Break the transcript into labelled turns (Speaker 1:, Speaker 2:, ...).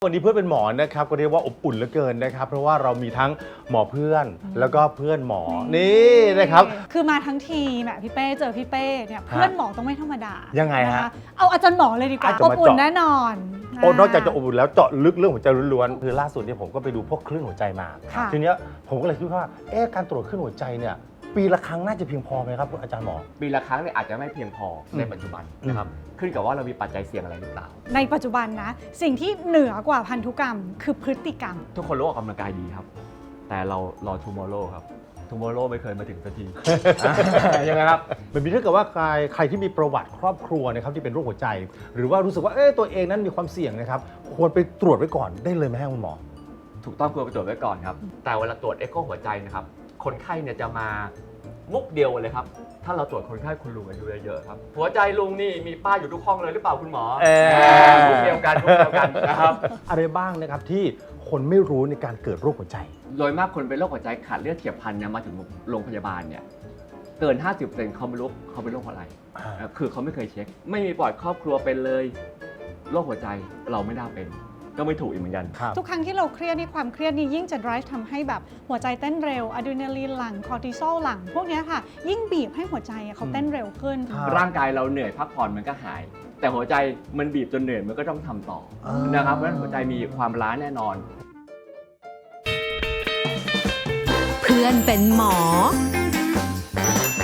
Speaker 1: วันนี้เพื่อนเป็นหมอนะครับก็เรียกว่าอบอุ่นเหลือเกินนะครับเพราะว่าเรามีทั้งหมอเพื่อนแล้วก็เพื่อนหมอนี่นะครับ
Speaker 2: คือมาทั้งทีแบบพี่เป้เจอพี่เป้เนี่ยเพื่อนหมอต้องไม่ธรรมดา
Speaker 1: ยังไงฮะ
Speaker 2: เอาอาจารย์หมอเลยดีกว่า
Speaker 1: อาจจะ
Speaker 2: อบ
Speaker 1: มา
Speaker 2: อุ่น
Speaker 1: เจาะ
Speaker 2: แน่นอน
Speaker 1: โอ้นอกจากจะอบอุ่นแล้วเจาะลึกเรื่องหัวใจล้วนๆคือล่าสุดเนี่ยผมก็ไปดูพวกคลื่นหัวใจมา
Speaker 2: ค่ะ
Speaker 1: ทีเนี้ยผมก็เลยคิดว่าการตรวจคลื่นหัวใจเนี่ยปีละครั้งน่าจะเพียงพอไหมครับอาจารย์หมอ
Speaker 3: ปีละครั้งเนี่ยอาจจะไม่เพียงพอในปัจจุบันนะครับขึ้นกับว่าเรามีปัจจัยเสี่ยงอะไรหรือเปล่า
Speaker 2: ในปัจจุบันนะสิ่งที่เหนือกว่าพันธุกรรมคือพฤติกรรม
Speaker 3: ทุกคนรู้ออกกำลังกายดีครับ แต่เรารอ tomorrow ครับ tomorrow ไม่เคยมาถึงสักที ยังไงครับ
Speaker 1: แบบนี้ถ้าเกิดว่าใครที่มีประวัติครอบครัวนะครับที่เป็นโรคหัวใจ หรือว่ารู้สึกว่าตัวเองนั้นมีความเสี่ยงนะครับควรไปตรวจไว้ก่อนได้เลยไหมครับคุณหมอ
Speaker 3: ถูกต้องควรไปตรวจไว้ก่อนครับ แต่เวลาตรวจเอ็กโคหัวใจนะครับ คนไข้เนี่ยจะมามุกเดียวเลยครับ ถ้าเราตรวจคนไข้คุณลุงอายุเยอะๆครับ หัวใจลุงนี่มีป้ายอยู่ทุกห้องเลยหรือเปล่าคุณหมอมุกเดียวกันมุกเดียวกันนะครับ
Speaker 1: อะไรบ้างนะครับที่คนไม่รู้ในการเกิดโรคหัวใจ
Speaker 3: โดยมากคนเป็นโรคหัวใจขาดเลือดเฉียบพลันเนี่ยมาถึงโรงพยาบาลเนี่ยเกิน 50%เขาไม่รู้เขาเป็นโรคอะไร คือเขาไม่เคยเช็ค ไม่มีปอดครอบครัวเป็นเลยโรคหัวใจเราไม่น่าเป็น ก็ไม่ถูกอีกเหมือนกัน
Speaker 2: ทุกครั้งที่เราเครียดนี่ความเครียดนี่ยิ่งจะ drive ทำให้แบบหัวใจเต้นเร็วอะดรีนาลีนหลั่งคอร์ติซอลหลั่งพวกเนี้ยค่ะ ยิ่งบีบให้หัวใจเขาเต้นเร็วขึ้น
Speaker 3: ร่างกายเราเหนื่อยพักผ่อนมันก็หาย แต่หัวใจมันบีบจนเหนื่อยมันก็ต้องทำต่อนะครับเพราะฉะนั้นหัวใจมีความล้าแน่นอน
Speaker 4: เพื่อนเป็นหมอ